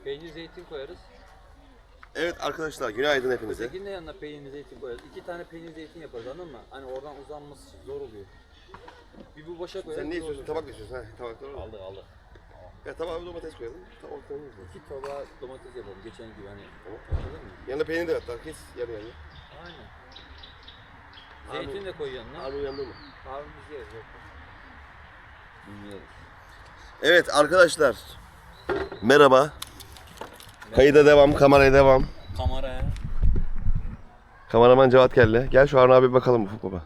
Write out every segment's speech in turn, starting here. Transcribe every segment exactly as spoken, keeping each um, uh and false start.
Peynir zeytin koyarız. Evet arkadaşlar günaydın hepinize. Ötekinin de yanına peynir zeytin koyarız. İki tane peynir zeytin yaparız, anladın mı? Hani oradan uzanması zor oluyor. Bir bu boşa koyarız. Sen ne istiyorsun? Tabak mı istiyorsun? Ha, tabaklar var. Aldık aldık. Ya tabağa bir domates koyalım. Tabak koyalım. İki tabağa domates yapalım geçen gibi hani. Anladın mı? Yanına peynir de hatta kes yarı yarı. Aynen. Zeytin de koy yanına. Harun yanında mı? Harun biz yeriz yok. Bilmiyoruz. Evet arkadaşlar. Merhaba. Kayıda devam, kameraya devam. Kameraya. Kameraman Cevat Kelle. Gel şu Harun abi bir bakalım Ufuk baba.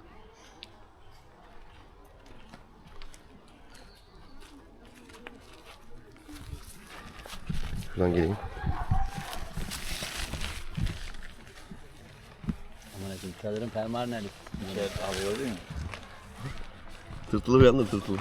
Şuradan geleyim. Aman efendim çadırın fermuarı nerede? Şey alıyor değil mi? Tırtılı uyandı tırtılı.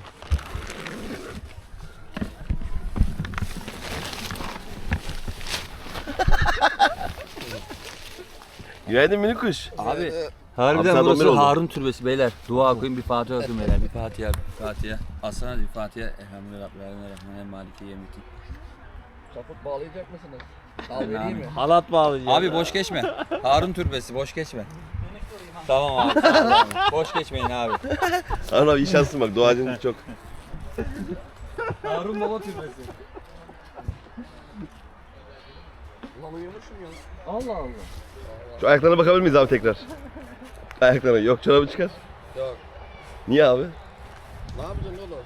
Günaydın minik kuş. Abi Harbiden harbiden burası burası Harun türbesi beyler. Dua okuyun, bir Fatiha okuyun beyler. Bir Fatiha, bir Fatiha. Aslan bir Fatiha. Elhamdülillah Rabbil alemin Rahmanir Maliki yevmiddin. Kaput bağlayacak mısınız? Al vereyim mi? Halat bağlayacağım. Abi boş geçme. Harun türbesi boş geçme. Tamam abi. Tamam, abi. Boş geçmeyin abi. Harun abi iyi şanslısın bak doğacın çok. Harun baba türbesi. Ulan uyumuşum ya. Allah Allah. Şu ayaklarına bakabilir miyiz abi tekrar? Ayaklarına. Yok çorabı çıkar. Yok. Niye abi? Ne yapacaksın oğlum?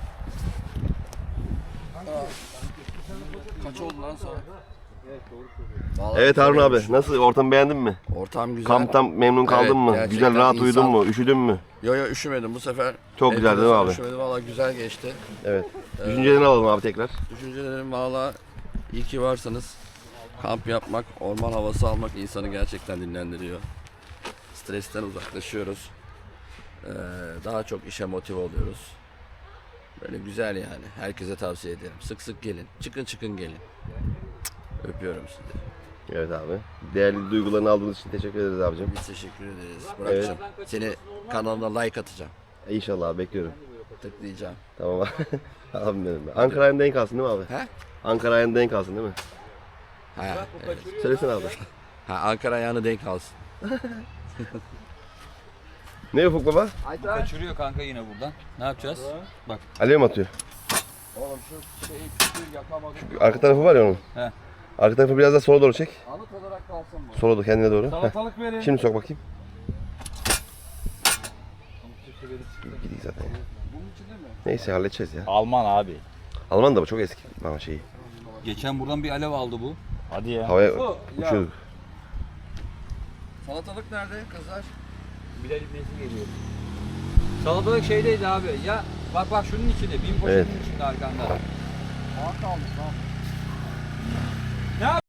Aa. Kaç oldu lan sonra? Vallahi Evet Harun güzel abi olmuş. nasıl ortamı beğendin mi? Ortam güzel. Kamptan memnun kaldın Evet, mı? gerçekten Güzel rahat insan- uyudun mu? Üşüdün mü? Yo yo üşümedim bu sefer. Çok güzel değil mi abi? Üşümedim valla güzel geçti. Evet. Düşüncelerini alalım abi tekrar. Düşüncelerim valla iyi ki varsınız. Kamp yapmak, orman havası almak insanı gerçekten dinlendiriyor. Stresten uzaklaşıyoruz. Ee, daha çok işe motive oluyoruz. Böyle güzel yani. Herkese tavsiye ederim. Sık sık gelin. Çıkın çıkın gelin. Öpüyorum sizi. Evet abi. Değerli duygularını aldığınız için teşekkür ederiz abicim. Biz teşekkür ederiz. Burak'cığım seni kanalına like atacağım. E, İnşallah abi bekliyorum. Tıklayacağım. Tamam abi. Abim benim. Ankara ayında denk kalsın değil mi abi? He? Ankara ayında denk kalsın değil mi? Ha, evet. Söylesene abi. Ha, Ankara ayağını denk alsın. Ne Ufuk baba? Kaçırıyor kanka yine buradan. Ne yapacağız? Bak. Alev mi atıyor? Oğlum şu şeyi küçüğü yakamadım. Arka tarafı var ya onun. He. Arka tarafı biraz daha sola doğru çek. Anıt olarak kalsın bu. Sola doğru kendine doğru. Heh. Salatalık verin. Şimdi sok bakayım. Gidiyor zaten. Bunun içinde mi? Neyse halledeceğiz ya. Alman abi. Alman da bu çok eski ama şeyi. Geçen buradan bir alev aldı bu. Hadi ya. Havaya ya. uçuyorduk. Salatalık nerede kızlar? Bilal İbnesi geliyor. Salatalık şeydeydi abi. Ya bak bak şunun içinde. Bin poşetin Evet. içinde arkanda. Aa kalmış lan.